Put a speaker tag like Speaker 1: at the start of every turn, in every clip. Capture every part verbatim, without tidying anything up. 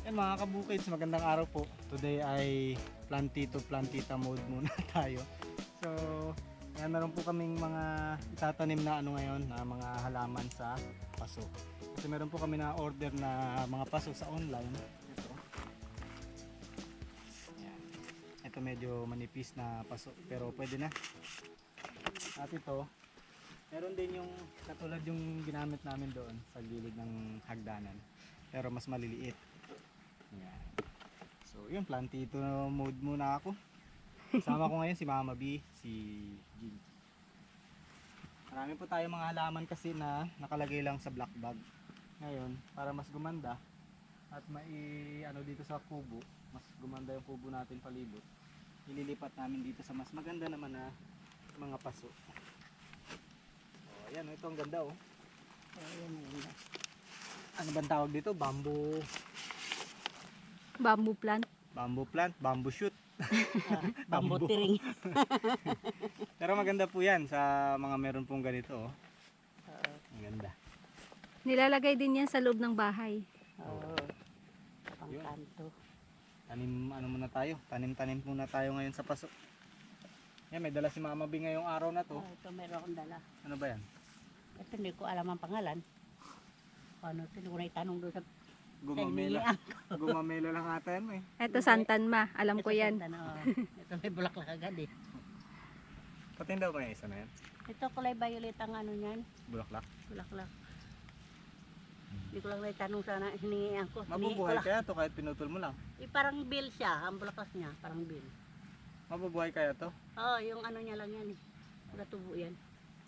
Speaker 1: Yan mga kabukids, magandang araw po. Today ay plantito plantita mode muna tayo. So, yan, meron po kaming mga itatanim na ano ngayon, na mga halaman sa paso. Kasi meron po kami na order na mga paso sa online. Ito. Yan. Ito medyo manipis na paso, pero pwede na. At ito, meron din yung katulad yung ginamit namin doon sa gilid ng hagdanan, pero mas maliliit. Yan. So yun, plantito mode muna ako. Kasama ko ngayon si Mama B, si Jin. Marami po tayo mga halaman kasi na nakalagay lang sa black bag. Ngayon, para mas gumanda at mai ano dito sa kubo, mas gumanda yung kubo natin palibot, ililipat namin dito sa mas maganda naman na mga paso. Oh, ayan, ito ang ganda oh. Ayan, ganda. Ano bang tawag dito? Bamboo
Speaker 2: Bamboo plant.
Speaker 1: Bamboo plant, bamboo shoot.
Speaker 3: Ah, bamboo tiring.
Speaker 1: Pero maganda po yan sa mga meron pong ganito. Oh.
Speaker 3: Oo.
Speaker 1: Ang ganda.
Speaker 2: Nilalagay din yan sa loob ng bahay.
Speaker 3: Oo. Pangkanto.
Speaker 1: Tanim, ano muna tayo? Tanim-tanim muna tayo ngayon sa paso. Yan, may dala si Mama B ngayong araw na to.
Speaker 3: Oh, ito meron akong dala.
Speaker 1: Ano ba yan?
Speaker 3: Ito hindi ko alam ang pangalan. Ano ito, hindi ko na itanong doon sa
Speaker 1: Gumamela.
Speaker 3: Kaibigan.
Speaker 1: Gumamela lang ata yan eh.
Speaker 2: Ito santanma, alam ko
Speaker 3: Ito,
Speaker 2: yan.
Speaker 3: Santa, no. Ito may bulaklak agad eh.
Speaker 1: Patindaw ko yung isa na yan.
Speaker 3: Ito kulay violet ang ano niyan.
Speaker 1: Bulaklak.
Speaker 3: Bulaklak. Hindi ko lang na itanong sana, hiningihan ko. Hiningi ko
Speaker 1: Mabubuhay
Speaker 3: lang.
Speaker 1: kaya to kahit pinutol mo lang.
Speaker 3: Eh, parang bill siya, ang bulaklak niya, parang bill.
Speaker 1: Mabubuhay kaya to?
Speaker 3: Oo, oh, yung ano niya lang yan eh. Natubo yan.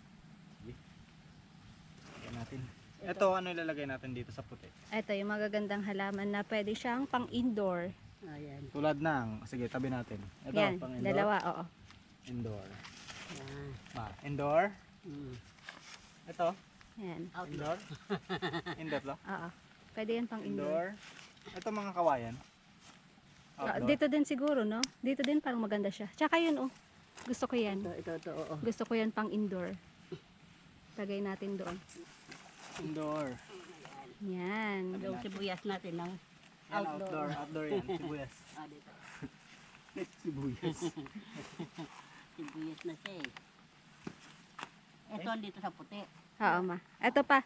Speaker 1: Yan natin. Ito, ano ilalagay natin dito sa puti?
Speaker 2: Ito yung magagandang halaman na pwede siyang pang indoor.
Speaker 3: Ayan.
Speaker 1: Tulad ng, sige tabi natin. Ito,
Speaker 2: Yan,
Speaker 1: pang indoor.
Speaker 2: dalawa, oo.
Speaker 1: Indoor.
Speaker 3: Ayan.
Speaker 1: Ah, indoor.
Speaker 3: Mm.
Speaker 1: Ito,
Speaker 2: Yan,
Speaker 3: Outdoor.
Speaker 1: indoor. Indoor to?
Speaker 2: oo. Pwede yan pang indoor.
Speaker 1: Indoor. Ito mga kawayan.
Speaker 2: Ah,
Speaker 1: Outdoor.
Speaker 2: dito din siguro, no? Dito din parang maganda siya. Tsaka yun, oh. Gusto ko yan.
Speaker 3: Ito, ito, ito, oo.
Speaker 2: Gusto ko yan pang indoor. Lagay natin doon.
Speaker 1: Indoor.
Speaker 2: Yan.
Speaker 3: Yung sibuyas natin ng
Speaker 1: Yan,
Speaker 3: outdoor.
Speaker 1: outdoor. Outdoor yan. Sibuyas.
Speaker 3: Ah, dito.
Speaker 1: Sibuyas.
Speaker 3: Sibuyas na siya eh. Ito dito sa puti.
Speaker 2: Oo, ma. Ito pa.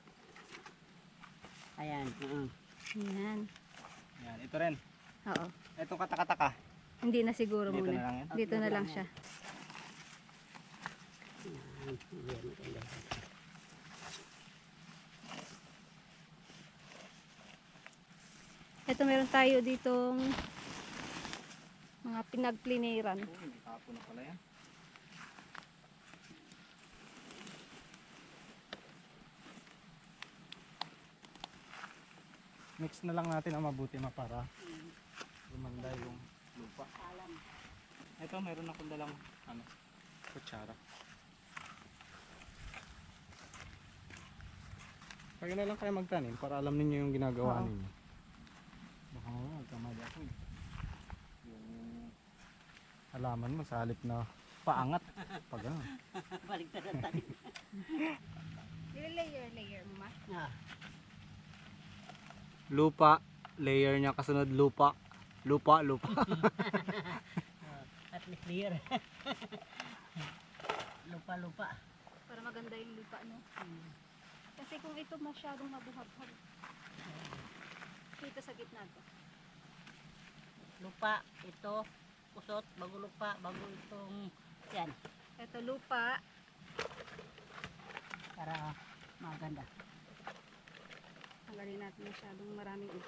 Speaker 3: Ayan. oo.
Speaker 2: Yan.
Speaker 1: Yan, ito rin.
Speaker 2: Oo.
Speaker 1: Itong katakataka.
Speaker 2: Hindi na siguro
Speaker 1: Dito
Speaker 2: muna.
Speaker 1: na lang yan.
Speaker 2: Dito na lang siya.
Speaker 3: Ayan. Ayan, maganda.
Speaker 2: Ito meron tayo ditong mga pinagpliniran.
Speaker 1: Oh, hindi tapo na pala yan. Mix na lang natin ang mabuti ma para gumanda yung lupa.
Speaker 3: Alam.
Speaker 1: Ito, meron akong dalang ano, kutsara. Kaya na lang kayo magtanim para alam ninyo yung ginagawa
Speaker 2: Oo.
Speaker 1: ninyo. Baka nga magkamali ako eh. Yung halaman mo sa halip na paangat. Pag ano.
Speaker 3: Balik na tayo.
Speaker 2: Layer, layer mo, ma.
Speaker 3: Ah.
Speaker 1: Lupa, layer niya kasunod lupa. Lupa, lupa.
Speaker 3: At least clear. Lupa-lupa.
Speaker 2: Para maganda yung lupa, no? Kasi kung ito masyadong mabuhab-hab, dito sa gitna to.
Speaker 3: Lupa, ito, kusot, bago lupa, bago itong, yan,
Speaker 2: Ito lupa,
Speaker 3: para maganda.
Speaker 2: tanggalin natin masyadong maraming ito.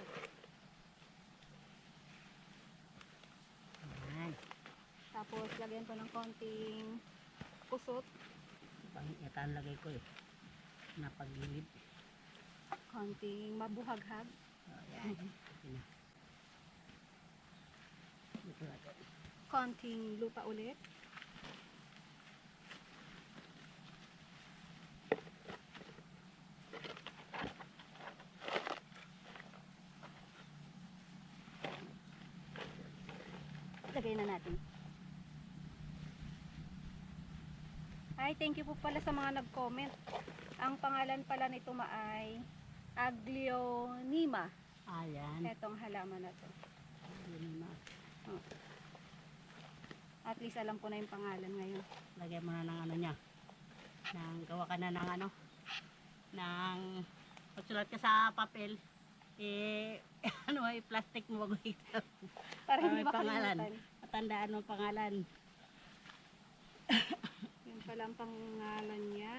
Speaker 3: Yan.
Speaker 2: Tapos lagyan ko ng konting kusot,
Speaker 3: Pang itan lagay ko eh. Napagilid.
Speaker 2: konting mabuhaghag.
Speaker 3: Oh, yan. Okay na. Ito natin.
Speaker 2: Konting lupa ulit. Lagay na natin. Ay, thank you po pala sa mga nag-comment. Ang pangalan pala nito ma ay Aglionema.
Speaker 3: Ayan.
Speaker 2: Etong halaman na to.
Speaker 3: Yun na.
Speaker 2: At least alam ko na yung pangalan ngayon.
Speaker 3: Lagyan mo na ng ano niya. Nang gawa ka na ng ano. Nang pagsulat ka sa papel. Eh, ano ay plastic mo bago ito.
Speaker 2: Para
Speaker 3: Ah,
Speaker 2: hindi
Speaker 3: may pangalan.
Speaker 2: makalimutan.
Speaker 3: Matandaan mo ang pangalan.
Speaker 2: Yun pala ang pangalan niya.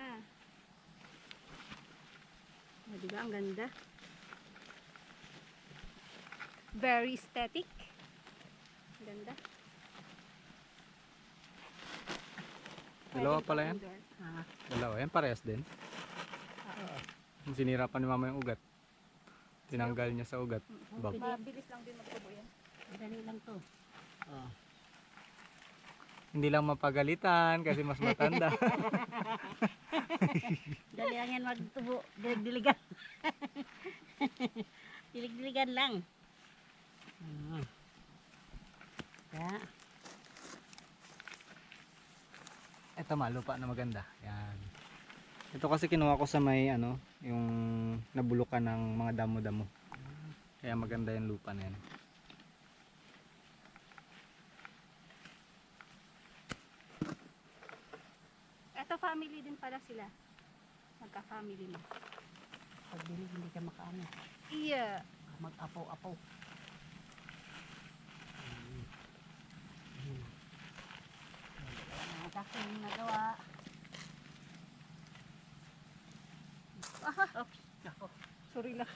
Speaker 2: O, diba? Ang ganda. Very aesthetic. Ganda.
Speaker 1: Dalawa
Speaker 2: Pwedeng
Speaker 1: pala yan?
Speaker 2: pang-indoor.
Speaker 3: Ah,
Speaker 1: Dalawa, yan parehas din.
Speaker 3: oo.
Speaker 1: Sinira pa ni mama yung ugat. Tinanggal niya sa ugat. Bag.
Speaker 2: Mabilis lang din magtubo yan.
Speaker 3: Dali lang to. Oh.
Speaker 1: Hindi lang mapagalitan kasi mas matanda.
Speaker 3: Dali lang yan magtubo. Dilig-diligan. Dilig-diligan lang. Ah. Kaya,
Speaker 1: Ito ma, lupa na maganda. Yan. Ito kasi kinuha ko sa may ano, yung nabulukan ng mga damo-damo. Kaya maganda yung lupa na yan.
Speaker 2: Ito family din pala sila. Magka-family na.
Speaker 3: pag dilig hindi ka makaano.
Speaker 2: Iya.
Speaker 3: Mag-apaw-apaw. Hmm. Hmm. Ang aking nagawa.
Speaker 2: Aha.
Speaker 3: Oops. Ako.
Speaker 2: Sorry lang.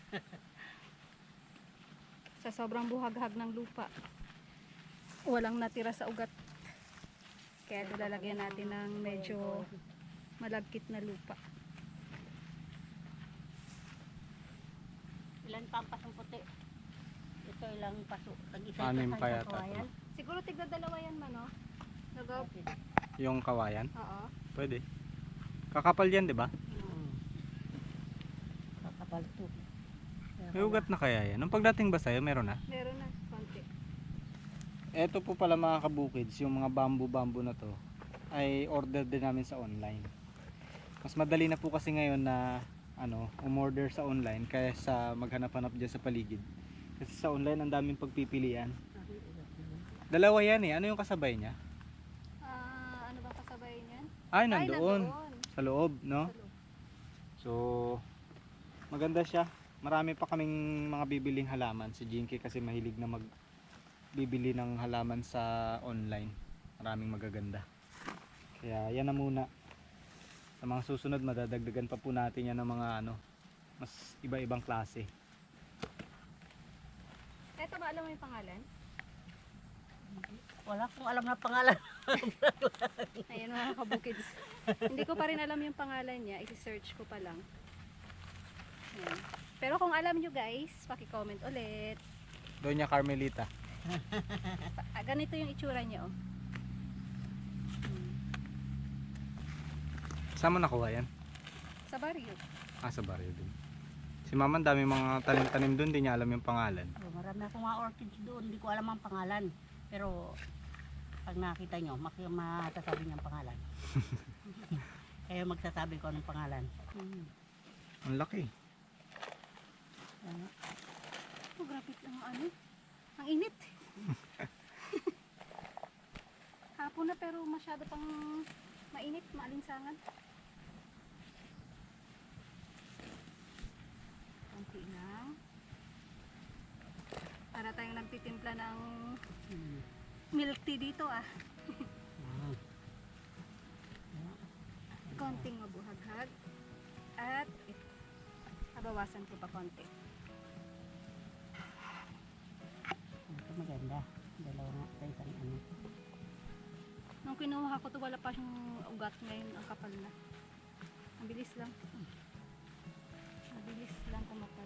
Speaker 2: Sa sobrang buhaghag ng lupa, walang natira sa ugat. Kaya ito lalagyan natin ng medyo malagkit na lupa.
Speaker 3: Ilan pa ang pasong puti? Ito ilang paso. Tag-isa
Speaker 1: Anim
Speaker 3: ito
Speaker 1: pa
Speaker 3: sa
Speaker 1: yata
Speaker 3: kawayan.
Speaker 2: Siguro tigda dalawa yan man, no? Nagaw.
Speaker 1: Yung kawayan,
Speaker 2: Oo.
Speaker 1: pwede. Kakapal yan, di ba?
Speaker 3: Hmm. Kakapal to.
Speaker 1: May ugat na kaya yan. Nung pagdating ba sa'yo, meron na?
Speaker 2: Meron na. Konti.
Speaker 1: Eto po pala mga kabukids, yung mga bamboo-bamboo na to ay order din namin sa online. Mas madali na po kasi ngayon na ano, umorder sa online kaysa maghanap-hanap dyan sa paligid. Kasi sa online ang daming pagpipilian. Dalawa yan eh. Ano yung kasabay niya?
Speaker 2: Ah, ano ba kasabay niyan?
Speaker 1: Ay,
Speaker 2: Ay,
Speaker 1: nandoon.
Speaker 2: nandoon.
Speaker 1: Sa loob, no?
Speaker 2: Sa loob.
Speaker 1: So, maganda siya. Marami pa kaming mga bibiling halaman. Si Jinky kasi mahilig na magbibili ng halaman sa online. Maraming magaganda. Kaya yan na muna. Sa mga susunod, madadagdagan pa po natin yan ng mga ano, mas iba-ibang klase.
Speaker 2: Eto ba alam mo yung pangalan?
Speaker 3: Wala akong alam na pangalan.
Speaker 2: Ayan mga kabukids. Hindi ko pa rin alam yung pangalan niya. I-search ko pa lang. Ayan. Pero kung alam nyo guys, paki-comment ulit.
Speaker 1: Doña Carmelita.
Speaker 2: Ah, ganito yung itsura niya oh. Hmm.
Speaker 1: Saan mo nakuha yan?
Speaker 2: Sa baryo.
Speaker 1: Ah, sa baryo din. Si Mama, ang dami mga tanim-tanim doon, di niya alam yung pangalan.
Speaker 3: Oh, marami akong mga orchids doon. Hindi ko alam ang pangalan. Pero pag nakita nyo, mak- matasabi niyo ang pangalan. Kayo magsasabi ko anong pangalan. Hmm.
Speaker 1: Ang laki.
Speaker 3: Ano?
Speaker 2: Oh, grabe ang ano. Ang init. Hapon na pero masyado pang mainit, maalinsangan. Konti lang. Para tayong nagtitimpla ng
Speaker 3: Hmm.
Speaker 2: milk tea dito ah.
Speaker 3: Ah.
Speaker 2: Konting mabuhaghag. At ito. Nabawasan ko pa konti.
Speaker 3: Ito maganda. Dalawa nga sa isang ano.
Speaker 2: Nung kinuha ko to wala pa siyang ugat, ngayon ang kapal na. Ang bilis lang. Mabilis lang kumapal.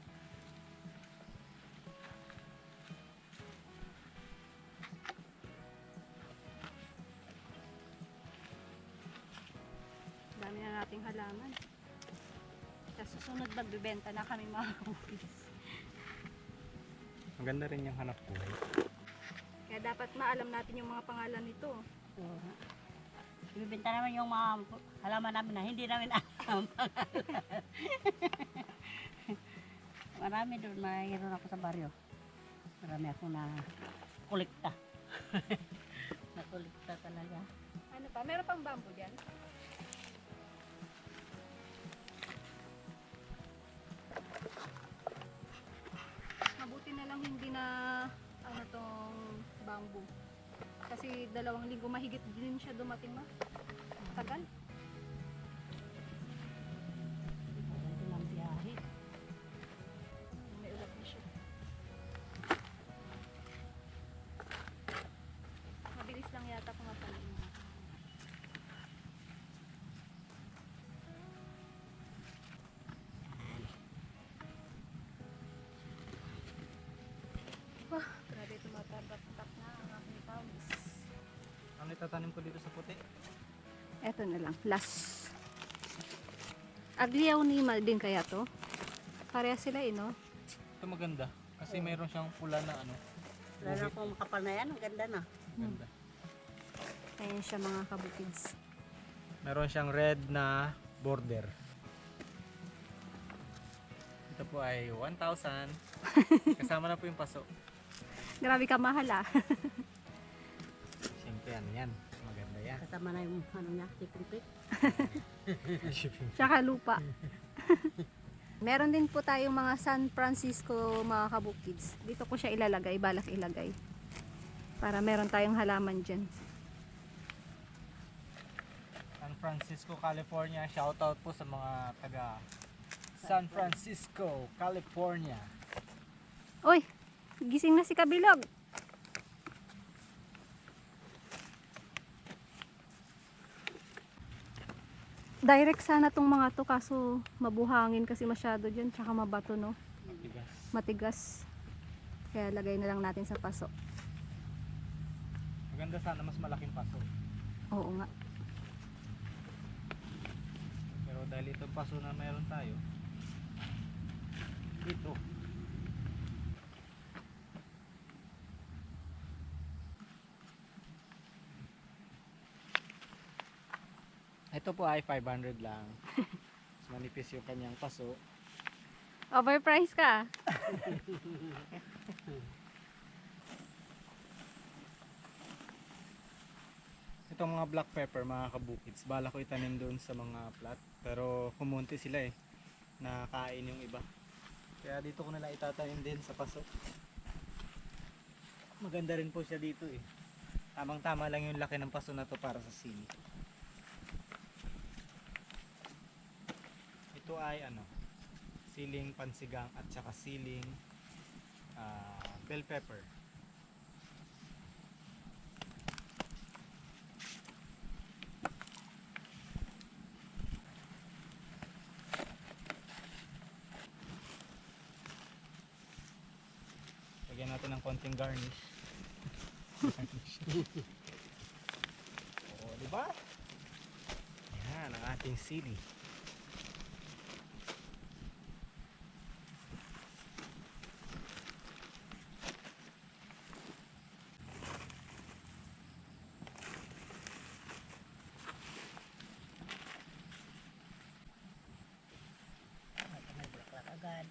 Speaker 2: Dami na nating halaman. Sa susunod magbibenta na kami mga kabukis.
Speaker 1: Maganda rin yung hanap buhay.
Speaker 2: Kaya dapat maalam natin yung mga pangalan nito.
Speaker 3: So, ibibenta naman yung mga halaman namin na hindi namin alam. Marami doon, mayroon ako sa baryo. Marami ako na kolekta. na kolekta talaga.
Speaker 2: Ano pa? Meron pang bamboo dyan? Mabuti na lang hindi na ano tong bamboo. Kasi dalawang linggo mahigit din siya dumating ma. Tagal.
Speaker 3: Ito lang biyahe.
Speaker 2: May ulat na siya. Mabilis lang yata pumapalim. Wah, grabe tumatagap-tap na ang aking pawis.
Speaker 1: Ano itatanim ko dito sa puti?
Speaker 2: Eto na lang, last. Agliaw ni Mal din kaya to? Pareha sila eh, no?
Speaker 1: Ito maganda. Kasi mayroon siyang pula na ano.
Speaker 3: Wala na akong makapal na yan. Ang ganda na.
Speaker 1: Maganda.
Speaker 2: Ayan siya mga kabukids.
Speaker 1: Meron siyang red na border. Ito po ay one thousand. Kasama na po yung paso.
Speaker 2: Grabe ka mahal ah.
Speaker 1: Siyempre yan, yan. Maganda yan.
Speaker 3: Kasama na yung ano niya, chicken pick.
Speaker 1: Shipping.
Speaker 2: Tsaka lupa. Meron din po tayong mga San Francisco mga kabukids. Dito ko siya ilalagay, balak ilagay. Para meron tayong halaman dyan.
Speaker 1: San Francisco, California. Shoutout po sa mga taga San Francisco, California.
Speaker 2: Uy, gising na si Kabilog. Direct sana tong mga to kaso mabuhangin kasi masyado dyan tsaka mabato no.
Speaker 1: Matigas.
Speaker 2: Matigas. Kaya lagay na lang natin sa paso.
Speaker 1: Maganda sana mas malaking paso.
Speaker 2: Oo nga.
Speaker 1: Pero dahil itong paso na meron tayo, dito. Ito po ay five hundred lang. Mas manipis yung kanyang paso.
Speaker 2: Overpriced ka.
Speaker 1: Itong mga black pepper, mga kabukids, bala ko itanim doon sa mga plat. Pero kumunti sila eh. Nakain yung iba. Kaya dito ko nila itatanim din sa paso. Maganda rin po siya dito eh. Tamang tama lang yung laki ng paso na to para sa sili. Ito ay ano, siling pansigang at saka siling ah, bell pepper. Lagyan natin ng konting garnish. Oo, di ba? Yan ang ating sili.
Speaker 3: Ito may bulaklak agad.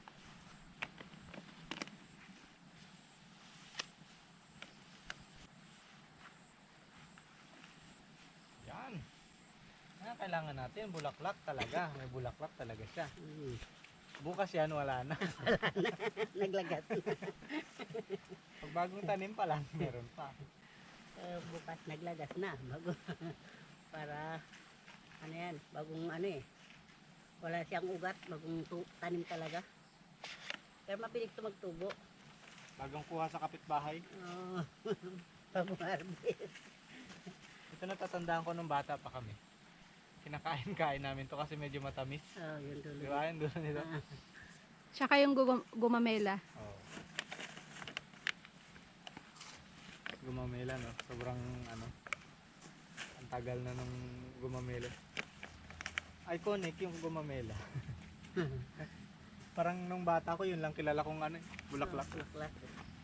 Speaker 1: Yan. Yan kailangan natin, bulaklak talaga. May bulaklak talaga siya.
Speaker 3: Mm.
Speaker 1: Bukas yan, wala na.
Speaker 3: Naglagat.
Speaker 1: Pag bagong tanim pa lang, meron pa.
Speaker 3: Eh, bukas naglagas na. Bago. Para, ano yan, bagong ano eh. Wala siyang ugat, bagong tu- tanim talaga. Pero mapilig ito magtubo.
Speaker 1: Bagong kuha sa kapitbahay.
Speaker 3: Oh. Bagong harvest.
Speaker 1: Ito natatandaan ko nung bata pa kami. Kinakain-kain namin to kasi medyo matamis.
Speaker 3: Oh, yun
Speaker 1: Di
Speaker 3: tuloy.
Speaker 1: ba? Yung dulo nito.
Speaker 3: Ah,
Speaker 2: Tsaka yung gum- gumamela.
Speaker 1: Oo. Gumamela, no? Sobrang ano. Ang tagal na nung gumamela. Iconic yung gumamela. Parang nung bata ko, yun lang kilala kong ano, eh, bulaklak.
Speaker 3: oh, bulaklak.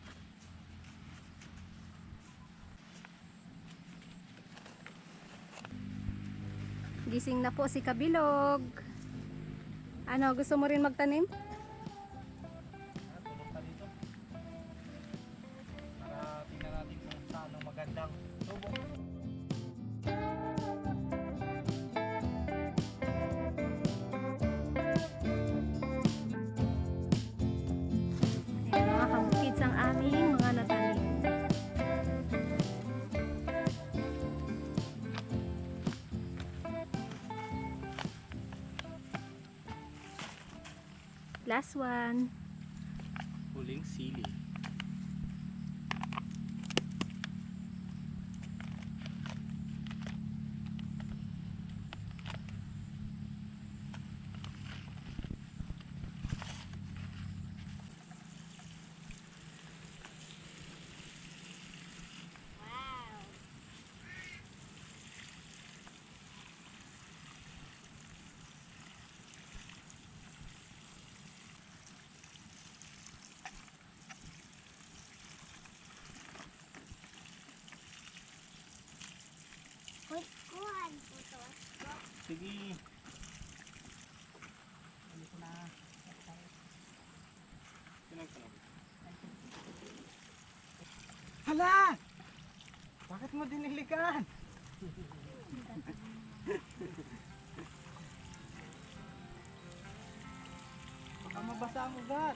Speaker 2: Gising na po si Kabilog. Ano, gusto mo rin magtanim? Last one.
Speaker 1: Huling sili.
Speaker 4: Uy, kuhan po to.
Speaker 1: Sige.
Speaker 3: Ano ko na.
Speaker 1: Hala! Bakit mo dinilikan? Baka mabasa ang ugat.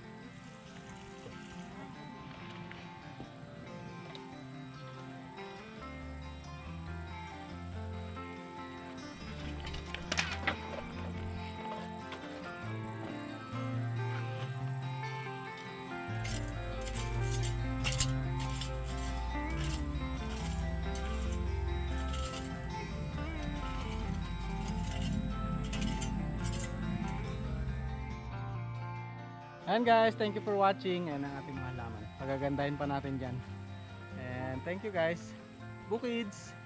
Speaker 1: Ayan guys, thank you for watching. Ayan ang ating mga halaman. Pagagandahin pa natin dyan. And thank you guys. Bukids!